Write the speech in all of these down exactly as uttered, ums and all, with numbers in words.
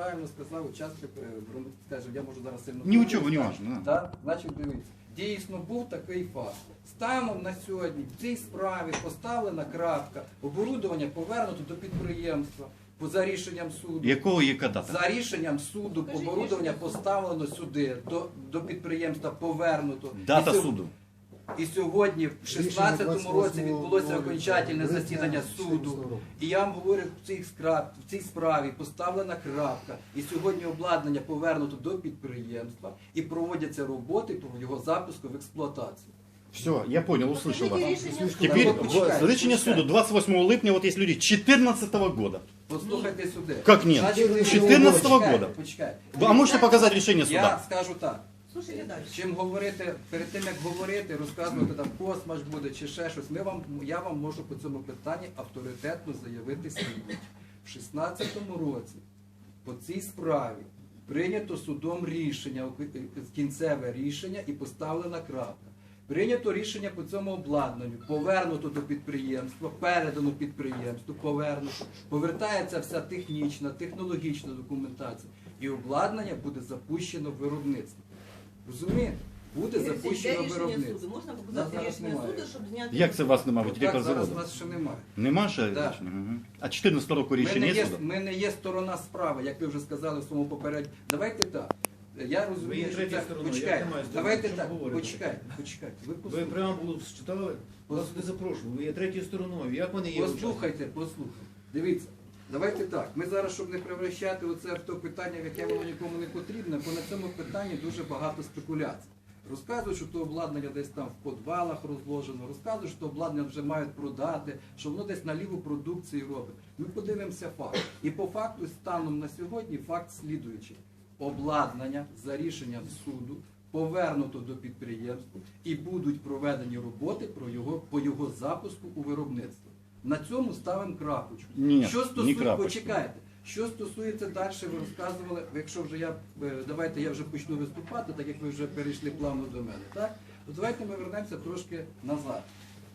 правильно сказав учасник, е, скажімо, я можу зараз сильно... Ні у чого, не важно. Да. Так? Значить, дивіться, дійсно був такий факт. Станом на сьогодні в цій справі поставлена крапка, оборудовання повернуто до підприємства по за рішенням суду. Якого яка дата? За рішенням суду оборудовання поставлено сюди, до, до підприємства повернуто. Дата І сьо- суду. І сьогодні, в шістнадцятому році, відбулося окончательне засідання суду. І я вам говорю, в цій, скраб, в цій справі поставлена крапка. І сьогодні обладнання повернуто до підприємства і проводяться роботи по його запуску в експлуатацію. Все, я понял, услышал вас. Теперь Теперь почекайте, рішення почекайте. суду двадцать восьмого липня, вот есть люди четырнадцатого года. Послухайте сюди. Как нет? Значить, четырнадцатого почекайте, года. Почекайте. А можете показать решение Я суда? скажу так. Слушайте далі. Чим говорити, перед тим як говорити, розказувати там космаш буде чи ще щось, ми вам, я вам можу по цьому питанні авторитетно заявити слідуюче. В шістнадцятому році по цій справі прийнято судом рішення, кінцеве рішення і поставлена крапка. Прийнято рішення по цьому обладнанню, повернуто до підприємства, передано підприємству, повернуто, повертається вся технічна, технологічна документація і обладнання буде запущено в виробництво. Розумієте? Буде запущено рішення виробництво. суду. Можна Нас показати зараз рішення немає. суду, щоб зняти... Як це вас немає, ви Так, директор зараз заводу? нас ще немає. Нема ще Да. рішення? Угу. А чотирнадцятого року Ми не, рішення є є, суду? ми не є сторона справи, як ви вже сказали в своєму попередньому. Давайте так. Я Ви розумію, є що третьою це... стороною, Почекайте, я не маю давайте що так, говорити. почекайте, почекайте. Ви Ви послухайте. преамбулу читали? Вас не запрошували. Ви є третьою стороною. Як вони є? Послухайте, послухайте. Дивіться, давайте так. Ми зараз, щоб не превращати оце в то питання, в яке воно нікому не потрібне, бо на цьому питанні дуже багато спекуляцій. Розказують, що то обладнання десь там в підвалах розложено, розказують, що то обладнання вже мають продати, що воно десь на ліву продукцію робить. Ми подивимося факт. І по факту, станом на сьогодні, факт слідуючий. Обладнання за рішенням суду повернуто до підприємства і будуть проведені роботи про його, по його запуску у виробництво. На цьому ставимо крапочку. Ні, Що не стосується, крапочку. почекайте, що стосується далі, ви розказували, якщо вже я, е, давайте я вже почну виступати, так як ви вже перейшли плавно до мене, так? То давайте ми вернемося трошки назад.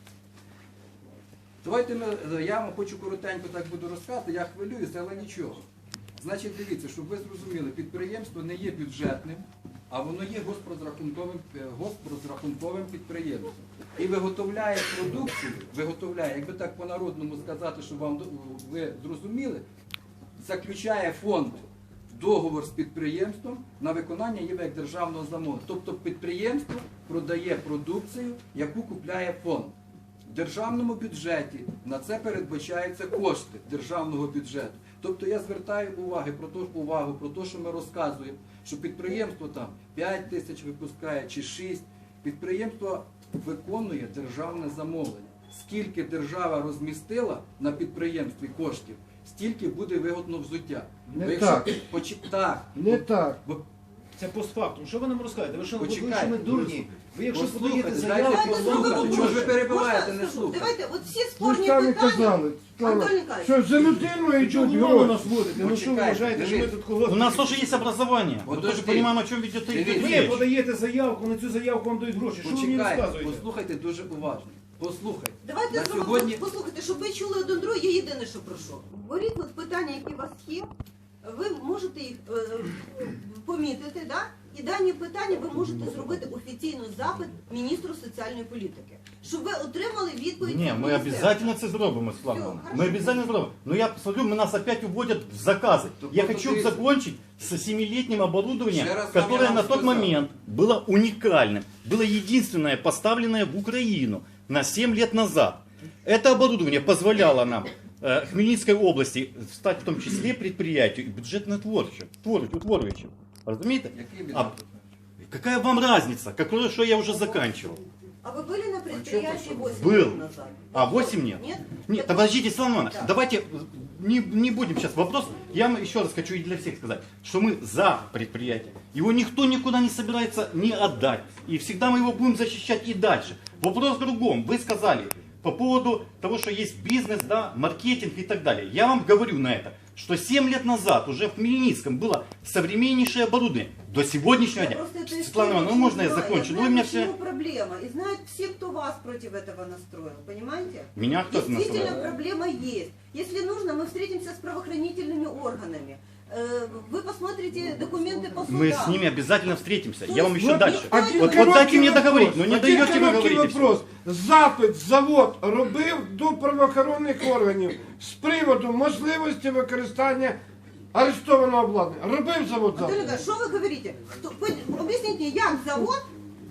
Давайте ми, я вам хочу коротенько так буду розказати, я хвилююся, але нічого. Значить, дивіться, щоб ви зрозуміли, підприємство не є бюджетним, а воно є госпрозрахунковим, е, госпрозрахунковим підприємством. І виготовляє продукцію, виготовляє, якби так по-народному сказати, щоб вам ви зрозуміли, заключає фонд договор з підприємством на виконання її як державного замовлення. Тобто підприємство продає продукцію, яку купляє фонд. В державному бюджеті на це передбачаються кошти державного бюджету. Тобто я звертаю увагу про те, увагу про те, що ми розказуємо, що підприємство там п'ять тисяч випускає чи шість. Підприємство виконує державне замовлення. Скільки держава розмістила на підприємстві коштів, стільки буде вигодно взуття. Не Бо якщо так. ти почи- так. Не так. Бо- Це постфактум. Що ви нам розказуєте? Ви що, ви Почекайте, що ми дурні? Ви якщо послухайте, подаєте дайте заяву, Давайте послухати. зробимо Чого ж ви проще. перебиваєте, Можна, не скажу, слухайте? Давайте, от всі Ви ж спорні самі питання... казали, Антон сказали, Ніколаєвич. що за людиною чого йдуть ви на гроші. нас водите? Ну що ви Почекайте, вважаєте, що ми дивіться. тут когось... У нас тоже есть образование. Мы Подожди. тоже понимаем, о чем ведет Дивіться. Ви речь. подаєте заявку, на цю заявку вам дають гроші. Що ви мені Почекайте, розказуєте? послухайте дуже уважно. Послухайте. Давайте На зробимо, сьогодні... послухайте, щоб ви чули один другий, я єдине, що прошу. Беріть от питання, які у вас є, ви можете їх е, помітити, да? І дані питання ви можете зробити офіційно запит міністру соціальної політики, щоб ви отримали відповідь. Не, від мы міністерства. обязательно это сделаем, Слава. Всё, Мы хорошо. обязательно сделаем. Но я посмотрю, мы нас опять уводят в заказы. Так Я вот хочу смотрите. закончить с семилетним оборудованием, Еще раз вам которое я на вам тот сказал. момент было уникальным. Было единственное, поставленное в Украину на семь лет назад. Это оборудование позволяло нам э, Хмельницкой области стать в том числе предприятию и бюджетно-творчим, творчим, утворюючим. Разумеете? Який А бюджет? какая вам разница? Какое, что я уже заканчивал? А вы были на предприятии восемь Был. лет назад? А восемь нет? Нет? Нет, Так подождите, Слава Ивановна, Да. давайте не, не будем сейчас вопрос. Я вам еще раз хочу и для всех сказать, что мы за предприятие. Его никто никуда не собирается не отдать. И всегда мы его будем защищать и дальше. Вопрос в другом. Вы сказали по поводу того, что есть бизнес, да, маркетинг и так далее. Я вам говорю на это, что семь лет назад уже в Хмельницком было современнейшее оборудование. До сегодняшнего Я дня. просто эту Светлана историю Ивановна, ну очень можно я знаю. закончу? Ну знаю, вы меня почему все... проблема. И знают все, кто вас против этого настроил. Понимаете? Меня кто-то Действительно, настроил. проблема есть. Если нужно, мы встретимся с правоохранительными органами. Э, Вы посмотрите документы по судам. Мы с ними обязательно встретимся. То Я вам есть еще вот дальше. никто Один Вот, не- вот короткий дайте мне вопрос. договорить, но не Один даете вы короткий говорить. и всё. вопрос. Запит завод робив до правоохоронних органів з приводу можливості використання арештованого обладнання. Робив завод Анатолій запит? Ігорович, що ви говорите? Хто- ви Об'ясніть мені, як завод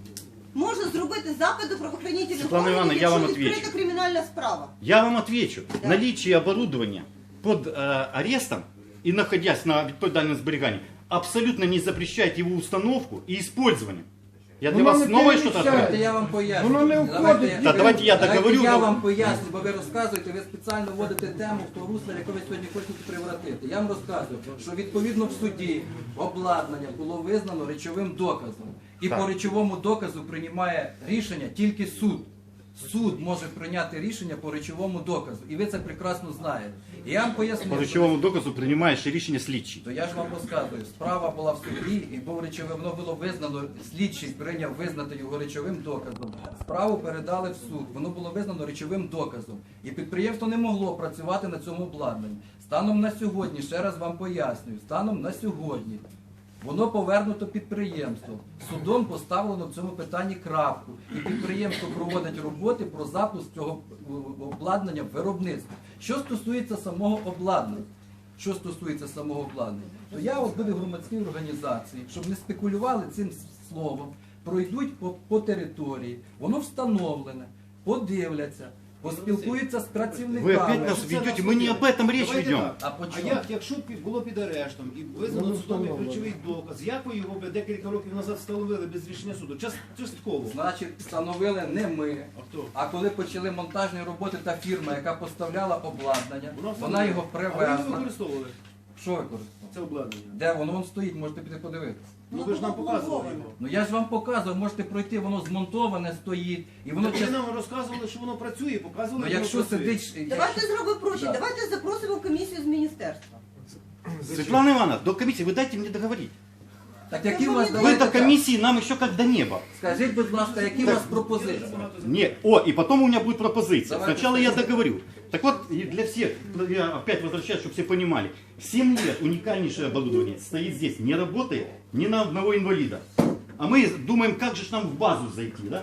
може зробити запит до правоохоронних Світлана органів, Івановна, я вам якщо відкрита відвічу. кримінальна справа? Я вам отвечу. Да. Наличие оборудования под э, арестом и находясь на відповідальному зберіганні абсолютно не запрещает его установку и использование. Я для Воно вас не новое что-то переміщає. открою? Давайте я вам поясню. Воно не Давайте входить я- в Та давайте я Давайте договорю, я но- вам поясню, бо ви розказуєте, ви спеціально вводите тему в то русло, яке ви сьогодні хочете привратити. Я вам розказую, що відповідно в суді обладнання було визнано речовим доказом. І Так. по речовому доказу приймає рішення тільки суд. Суд може прийняти рішення по речовому доказу. І ви це прекрасно знаєте. І я вам поясню. По що- речовому доказу приймаєш рішення слідчий. То я ж вам розказую, справа була в суді, і був речовим, воно було визнано, слідчий прийняв визнати його речовим доказом. Справу передали в суд, воно було визнано речовим доказом. І підприємство не могло працювати на цьому обладнанні. Станом на сьогодні, ще раз вам пояснюю, станом на сьогодні воно повернуто підприємству. Судом поставлено в цьому питанні крапку. І підприємство проводить роботи про запуск цього е, обладнання в виробництво. Що стосується самого обладнання, що стосується самого обладнання, то я от буду в громадській організації, щоб не спекулювали цим словом, пройдуть по, по території, воно встановлене, подивляться, поспілкуються з Вы працівниками. опять нас ведете, мы не об этом речь Давайте ведем. так. А по А чому? як, якщо б було під арештом і визнано судом як речовий доказ, як ви його б декілька років назад встановили без рішення суду? Час- Частково. Значить, встановили не ми, А хто? а коли почали монтажні роботи, та фірма, яка поставляла обладнання, Вона вона його А ви його привезла. використовували, Що використовували? це обладнання. Де воно? Воно стоїть, можете піти подивитися. Ну ви ж нам показували його. Ну я ж вам показував, можете пройти, воно змонтоване стоїть, і воно Ви час... нам розказували, що воно працює, показували, Ну що якщо воно працює. сидить... Давайте зробимо проще. Да. Давайте запросимо комісію з міністерства. Светлана Ивановна, до комиссии вы дайте мне договорить. Так які у вас... Вы давайте до так. комиссии нам еще как до неба. Скажіть, будь ласка, які у вас пропозиції? Не, о, и потом у меня будет пропозиция. Давайте. Сначала я договорю. Так вот, и для всех, я опять возвращаюсь, чтобы все понимали. семь лет уникальнейшее оборудование стоит здесь, не работает ни на одного инвалида. А мы думаем, как же ж нам в базу зайти, да?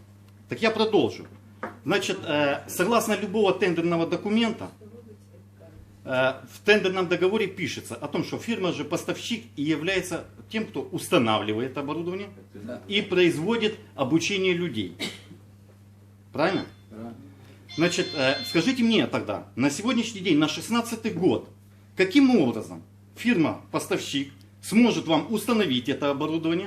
Так я продолжу. Значит, э, согласно любого тендерного документа, э, в тендерном договоре пишется о том, что фирма же поставщик и является тем, кто устанавливает оборудование Да. и производит обучение людей. Правильно? Значит, э, скажите мне тогда, на сегодняшний день, на шестнадцатый год, каким образом фирма-поставщик сможет вам установить это оборудование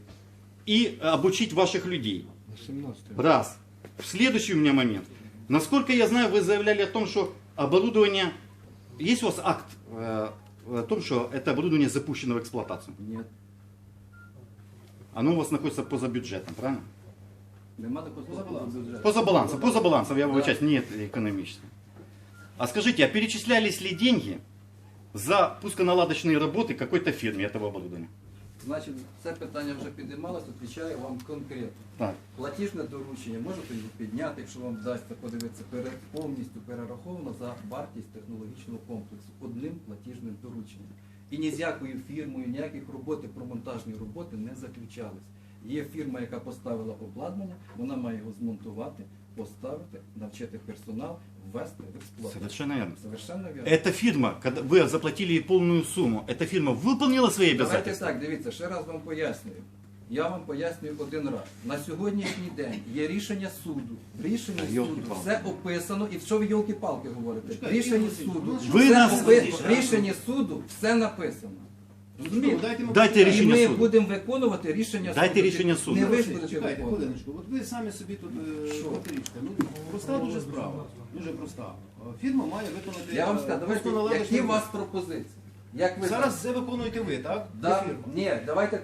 и обучить ваших людей? Раз. Следующий у меня момент. Насколько я знаю, вы заявляли о том, что оборудование... Есть у вас акт э, о том, что это оборудование запущено в эксплуатацию? Ні, Оно у вас находится поза бюджетом, правильно? нема такого слова бюджету. Поза балансом, поза балансом, я выбачаюсь, нет экономически. А скажите, а перечислялись ли деньги за пусконаладочные работы какой-то фирме этого оборудования? Значить, це питання вже підіймалося, відповідаю вам конкретно. Так. Платіжне доручення, можете його підняти, якщо вам вдасться подивитися, пере, повністю перераховано за вартість технологічного комплексу одним платіжним дорученням. І ні з якою фірмою, ніяких роботи про монтажні роботи не заключались. Є фірма, яка поставила обладнання, вона має його змонтувати, поставити, навчити персонал, ввести в експлуатацію. Совершенно верно. Совершенно вірно. Эта фирма, когда вы заплатили ей полную сумму, эта фирма выполнила свои Давайте обязательства? так, дивіться, ще раз вам пояснюю. Я вам пояснюю один раз. На сьогоднішній день є рішення суду. В рішенні Та, суду йолки-палки. все описано. І що ви йолки-палки говорите? В Чекайте, рішенні Ігор суду, Васильович, ви все нас опи- слухайте, в рішенні суду все написано. Ну, Розумієте? дайте ми Дайте почитаємо. І рішення ми суду. будемо виконувати рішення Дайте суду. рішення суду. Не ви ж Чекайте, будете Чекайте, виконувати. хвилиночку. От ви самі собі тут е, Що? протирічка. Ну, проста дуже справа. Дуже проста. Е, Фірма має виконати... Я вам е, скажу, давайте, пусконаладочну які у вас роботу. пропозиції? Як ви Зараз це виконуєте ви, так? Да, Це фірма. ні, давайте так.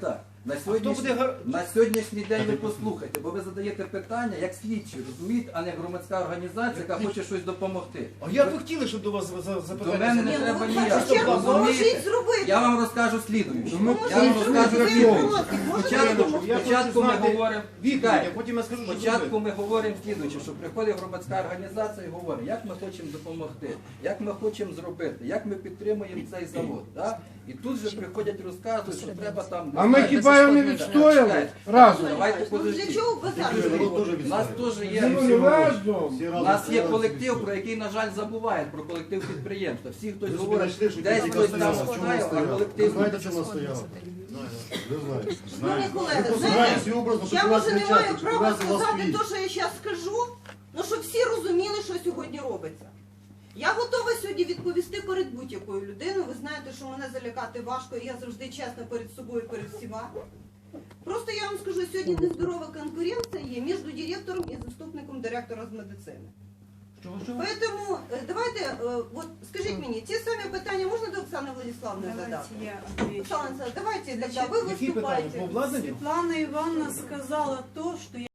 На хто сьогоднішній, буде гар- на сьогоднішній день ви послухайте, бо ви задаєте питання як слідчі, розумієте, а не громадська організація, яка хоче щось допомогти. А як ви хотіли, щоб до вас за- за- До запитання? мене не Ні, ну, треба ви ніяк. першу чергу Розумієте? поможіть зробити. Я вам розкажу слідуюче. Ну, Поможіть Я вам зробити, розкажу ви слідуюче. інформацію можете Спочатку, допомогти. Я хочу спочатку ми знати говоримо, відповідь, чекайте. а потім я скажу, що Спочатку зробити. ми говоримо слідуюче, що приходить громадська організація і говорить, як ми хочемо допомогти, як ми хочемо зробити, як ми підтримуємо цей завод. Да? І тут же приходять розказують, що треба там... А ми хіба його не відстояли Чекайте. разом? Давайте Ну, для подождіть. чого базар? У нас теж є... Ну, разом. У нас є колектив, про який, на жаль, забувають, про колектив підприємства. Всі хтось Ви собі говорить, знайшли, що десь тільки хтось там стояла, в чому знає, а стояла. Ви колектив... знаєте, чому вона стояла? Ви знаєте. Шановні колеги, Ви знаєте, знаєте, образно, я що вас може не кричать, маю що права вас вас сказати стоїть. те, що я зараз скажу, але щоб всі розуміли, що сьогодні робиться. Я готова сьогодні відповісти перед будь-якою людиною. Ви знаєте, що мене залякати важко, і я завжди чесна перед собою і перед всіма. Просто я вам скажу, сьогодні нездорова конкуренція є між директором і заступником директора з медицини. Чого, чого? Поэтому е, давайте, е, от скажіть мені, ті самі питання можна до Оксани Владиславовни задати? Давайте я отвечу. Оксана Олександровна, давайте, Значить, тогда ви Які питання? По виступаєте. обладнанню? Светлана Ивановна сказала то, что я